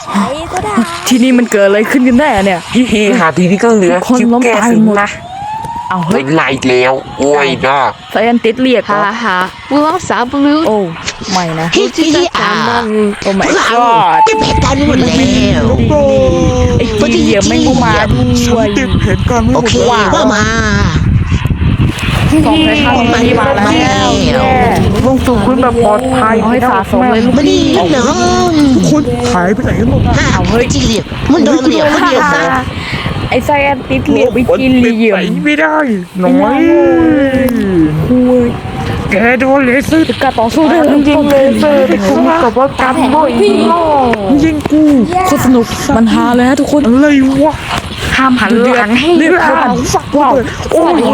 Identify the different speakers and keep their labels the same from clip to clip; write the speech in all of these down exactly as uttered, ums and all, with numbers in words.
Speaker 1: ใช้ก็ได้
Speaker 2: ที่นี่มันเกิดอะไรขึ้นกันแน่เนี่ย
Speaker 3: เฮ้หาทีนี้ก็เหลือ
Speaker 2: คนล้ม
Speaker 3: แก้
Speaker 2: ตาย
Speaker 3: สิ
Speaker 2: หมด
Speaker 3: นะ
Speaker 2: เอาเฮ้ย
Speaker 3: ไล่แล้วโอ้ยนะ
Speaker 2: ไซแอนติสเรียกเหร
Speaker 4: ฮ่า
Speaker 2: อ
Speaker 4: ฮ่าบูลองสาวบลู
Speaker 2: โอ้ไม่นะ
Speaker 5: พี่พี่อ่า
Speaker 2: โอ้ my
Speaker 5: พวกเรา
Speaker 2: god
Speaker 5: เก็บเหตุการณ์หมดแล้ว
Speaker 2: ไอ้จีเหยียบแม่งก็มาด้วย
Speaker 6: เก็บเหตุการณ์ไม่ห
Speaker 5: โอ
Speaker 6: มด
Speaker 5: เค
Speaker 6: แล้ว
Speaker 5: ว่ามา
Speaker 2: สองในข้างนี้มาแล้วแย่
Speaker 3: ลงสู่พื้นแบบปลอดภัย
Speaker 2: เอาให้สะสมเลยลูก
Speaker 5: ไม่ดีน้อง
Speaker 6: ทุกคนหายไปไหนกันหมด
Speaker 5: ห้าเฮ้ยจีเหลียบมันโดนเหลียบคนเดียวซะ
Speaker 2: ไอ้ไซแอนติสเรียกไปกินเหลี่ยม
Speaker 6: ไม่ได้น้อย
Speaker 2: คุย
Speaker 6: แกโดนเลเซอร์
Speaker 2: การต่อสู้ด้วยจริงเลยเซอร์ที่คุ้มกับว่าการบ่อยยิงกูโคตรสนุกมันฮาเลยฮะทุกคน
Speaker 6: อะไรวะ
Speaker 4: ห้ามหันหลังให้
Speaker 2: เรียกเขาฝักว้าวโอ้โห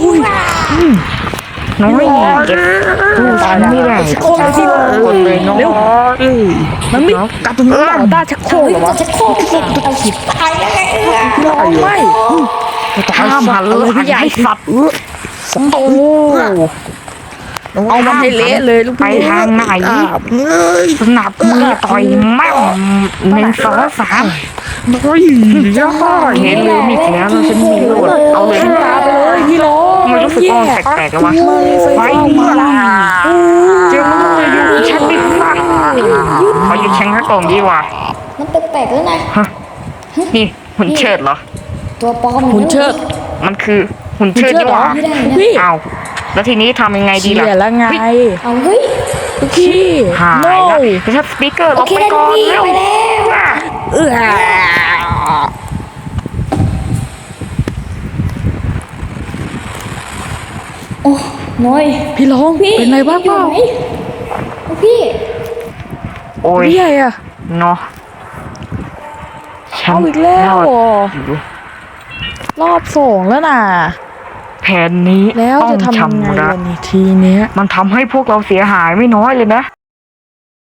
Speaker 2: น้อยเก็บกูตายไม่ได้โคตรที่คนเลยน้องเร็วมันไม่กลับตรงนี้ต่อได้ชักโครกเหรอวะ
Speaker 1: จะโคตรเก่งไปหิบตายแล้ว
Speaker 2: ไม่ห้ามหันเลยพี่ใหญ่สัตว์โอ้เอามันให้เละเลยลูก
Speaker 4: ไปทางไหนสนับมือต่อยแม่งหนึ่งสองสาม
Speaker 6: น้อยย่า
Speaker 4: เห็นเลยมีแล้วเราจะมีโหลดเอาเลย
Speaker 2: ตาไปเลยพี่ร้อง
Speaker 4: มันรู้สึกว่าแปลกๆแล้ววะไปนี่ล่ะเจ้าเลยอยู่ฉันดิฟังเขาอยู่แข่งข้ากล่องดีว่ะ
Speaker 1: มันแปลกๆแล้วนะ
Speaker 4: นี่หุ่นเชิดเหรอ
Speaker 1: ตัวปลอม
Speaker 2: หุ่นเชิด
Speaker 4: มันคือหุ่นเชิดดีกว่า
Speaker 1: ไม่ได้นะ
Speaker 2: พี่
Speaker 4: เอาแล้วทีนี้ทำยังไงดี
Speaker 2: เชี่
Speaker 4: ล่ะ
Speaker 2: ยแล้วไง
Speaker 1: เอาเฮ้ย
Speaker 2: พี่
Speaker 4: หาย
Speaker 2: โน่
Speaker 4: แล้วไปชัดสปีกเกอร์ล
Speaker 1: โอง เค
Speaker 4: ไป
Speaker 1: ได้
Speaker 4: ก่อน
Speaker 1: พี่
Speaker 4: เร็ว
Speaker 1: ไปแล้ว
Speaker 2: เออ
Speaker 1: โอ้น้อย
Speaker 2: พี่ร้อง
Speaker 1: พี่
Speaker 2: เป็นไรบ้างเปล่า
Speaker 1: อยู่ไหนพี่
Speaker 4: โอ้ย
Speaker 2: พี่ใหญ่อะ
Speaker 4: เนาะฉัน
Speaker 2: เอาอีกแล้ว
Speaker 4: รอด
Speaker 2: เหรอ
Speaker 4: อยู่
Speaker 2: รอบสองแล้วน่ะ
Speaker 4: แผนนี้
Speaker 2: แล้ว
Speaker 4: ต้อง
Speaker 2: จะทำยังไง
Speaker 4: ชำระ
Speaker 2: ล่ะนี่ทีเนี้ย
Speaker 4: มันทำให้พวกเราเสียหายไม่น้อยเลยนะ